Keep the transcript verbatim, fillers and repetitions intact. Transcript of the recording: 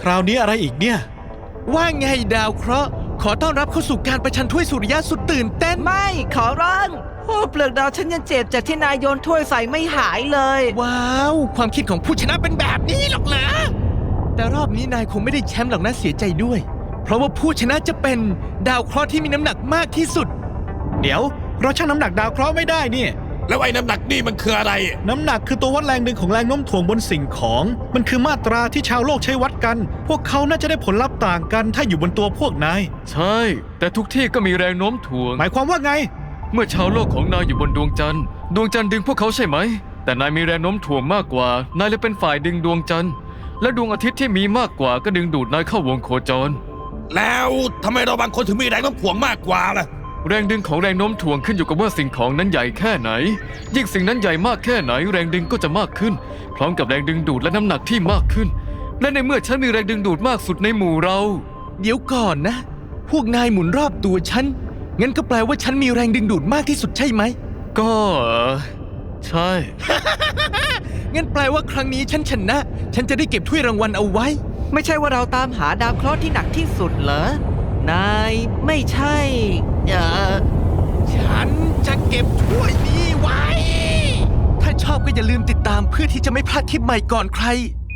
ราวนี้อะไรอีกเนี่ยว่าไงดาวเคราะห์ขอต้อนรับเข้าสู่การประชันถ้วยสุริยะสุดตื่นเต้นไม่ขอร้องโอ้เปลือกดาวฉันยังเจ็บจากที่นายโยนถ้วยใส่ไม่หายเลยว้าวความคิดของผู้ชนะเป็นแบบนี้หรอกนะแต่รอบนี้นายคงไม่ได้แชมป์หรอกนะเสียใจด้วย เพราะว่าผู้ชนะจะเป็นดาวเคราะห์ที่มีน้ำหนักมากที่สุดเดี๋ยวเราชั่งน้ำหนักดาวเคราะห์ไม่ได้เนี่ยแล้วไอ้น้ำหนักนี่มันคืออะไรน้ำหนักคือตัววัดแรงดึงของแรงโน้มถ่วงบนสิ่งของมันคือมาตราที่ชาวโลกใช้วัดกันพวกเขาน่าจะได้ผลลัพธ์ต่างกันถ้าอยู่บนตัวพวกนายใช่แต่ทุกที่ก็มีแรงโน้มถ่วงหมายความว่าไงเมื่อชาวโลกของนายอยู่บนดวงจันทร์ดวงจันทร์ดึงพวกเขาใช่ไหมแต่นายมีแรงโน้มถ่วงมากกว่านายเลยเป็นฝ่ายดึงดวงจันทร์และดวงอาทิตย์ที่มีมากกว่าก็ดึงดูดนายเข้าวงโคจรแล้วทำไมเราบางคนถึงมีแรงโน้มถ่วงมากกว่าล่ะแรงดึงของแรงโน้มถ่วงขึ้นอยู่กับว่าสิ่งของนั้นใหญ่แค่ไหนยิ่งสิ่งนั้นใหญ่มากแค่ไหนแรงดึงก็จะมากขึ้นพร้อมกับแรงดึงดูดและน้ำหนักที่มากขึ้นและในเมื่อฉันมีแรงดึงดูดมากสุดในหมู่เราเดี๋ยวก่อนนะพวกนายหมุนรอบตัวฉันงั้นก็แปลว่าฉันมีแรงดึงดูดมากที่สุดใช่ไหมก็ใช่งั้นแปลว่าครั้งนี้ฉันชนะฉันจะได้เก็บถ้วยรางวัลเอาไว้ไม่ใช่ว่าเราตามหาดาวเคราะห์ที่หนักที่สุดเหรอนายไม่ใช่เออฉันจะเก็บถ้วยนี้ไว้ถ้าชอบก็อย่าลืมติดตามเพื่อที่จะไม่พลาดทริปใหม่ก่อนใคร